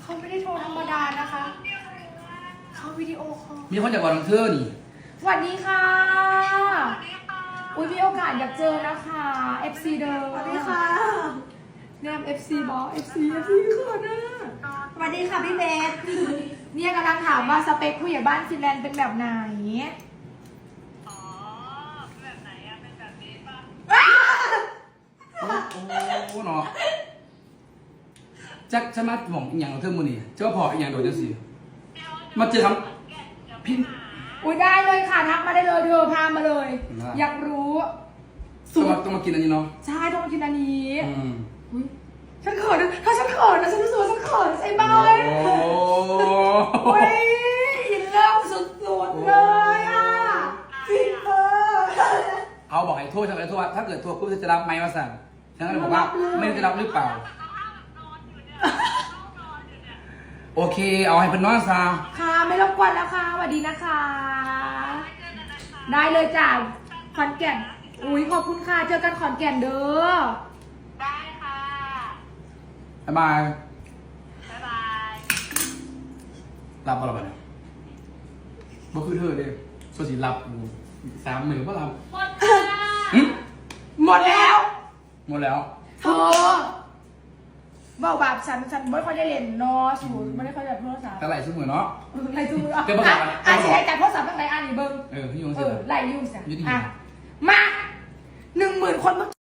เขาไม่ได้โทรธรรมดานะคะเขาวิดีโอคอลมีคนจากวันเธอนี่สวัสดีค่ะอุ้ยมีโอกาสอยากเจอนะคะ FC เดิมสวัสดีค่ะแนม FC บอส FC เขินนะสวัสดีค่ะพี่เบสเนี่ยกำลังถามว่าสเปคผู้ใหญ่บ้านฟินแลนด์เป็นแบบไหนอ๋อแบบไหนอะเป็นแบบนี้ป่ะโอ้เนาะจักจะมาหม่องอีหยังของเธอมือนี่เจ้าพออีหยังโดดจังสิมาเจอครับพี่อุ้ยได้เลยค่ะทักมาได้เลยเธอพามาเลยได้อยากรู้ต้องมากินอันนี้เนาะใช่ต้องมากินอันนี้อืมฉันเขินนะถ้าฉันเขินนะฉันรู้สึกว่าฉันเขินไอ้บอยโอ้โอ้ยอินเลิฟสุดๆเลยอ่ะจริงเอาบอกให้โทษฉันเลยโทษว่าถ้าเกิดโทษปุ๊บจะรับไหมมาสั่งฉันก็เลยบอกว่าไม่รู้จะรับหรือเปล่า โอเค เอาให้เป็นน้องซาค่ะไม่รบกวนแล้วค่ะสวัสดีนะคะ ได้เลยจ้ะขอนแก่นอุ้ยขอบคุณค่ะเจอกันขอนแก่นเด้อได้ค่ะบ๊ายบายบ๊ายบายรับอะไรบ้างเนี่ยบ่คือเธอเด้โซสิรับกู30,000ก็รับหมดค่ะหึหมดแล้วหมดแล้วเธอเบาบาปฉันไม่ค่อยได้เล่นเนาะสูไม่ได้ค่อยได้โทรศัพท์แต่ไหลชุ่มมือเนาะไล่จูมือเดี๋ยวประกาศก่อนอ่ะใช้การโทรศัพท์ตั้งไหนอ่านอีเบิ้งพี่ยงเอสิอไล่ยุ่งเสียยุติธรรมอ่ะมา10,000 คนเมื่อ